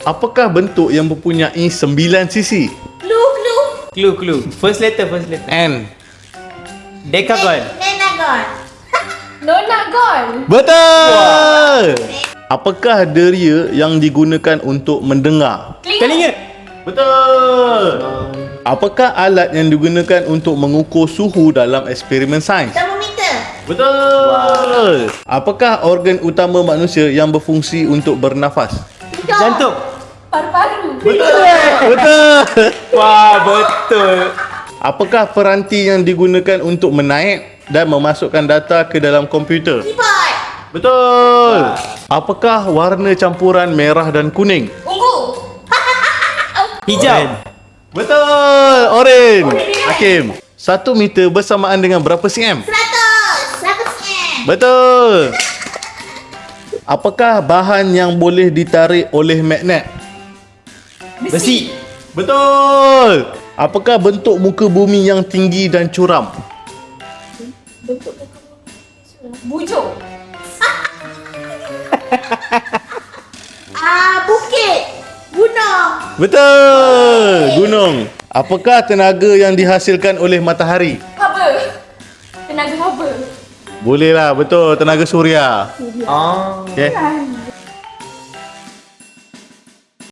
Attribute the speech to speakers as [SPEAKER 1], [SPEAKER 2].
[SPEAKER 1] Apakah bentuk yang mempunyai 9 sisi?
[SPEAKER 2] Clue. First letter.
[SPEAKER 1] N.
[SPEAKER 2] Decagon.
[SPEAKER 3] Nonagon.
[SPEAKER 1] Betul! Apakah deria yang digunakan untuk mendengar?
[SPEAKER 2] Telinga.
[SPEAKER 1] Betul! Apakah alat yang digunakan untuk mengukur suhu dalam eksperimen sains?
[SPEAKER 3] Termometer.
[SPEAKER 1] Betul! Apakah organ utama manusia yang berfungsi untuk bernafas?
[SPEAKER 2] Jantung.
[SPEAKER 3] Paru-paru.
[SPEAKER 1] Betul!
[SPEAKER 2] Wah, betul.
[SPEAKER 1] Apakah peranti yang digunakan untuk menaik dan memasukkan data ke dalam komputer?
[SPEAKER 3] Keyboard.
[SPEAKER 1] Betul! Apakah warna campuran merah dan kuning?
[SPEAKER 3] Ungu.
[SPEAKER 2] Hijau.
[SPEAKER 1] Betul! Oren! Hakim, 1 meter bersamaan dengan berapa cm?
[SPEAKER 3] 100 cm.
[SPEAKER 1] Betul! Apakah bahan yang boleh ditarik oleh magnet?
[SPEAKER 2] Besi.
[SPEAKER 1] Betul! Apakah bentuk muka bumi yang tinggi dan curam?
[SPEAKER 3] Bujur. Bukit. Gunung.
[SPEAKER 1] Betul! Gunung. Apakah tenaga yang dihasilkan oleh matahari?
[SPEAKER 3] Haba. Tenaga haba.
[SPEAKER 1] Boleh lah, betul. Tenaga suria.
[SPEAKER 2] Oh.
[SPEAKER 1] Okay.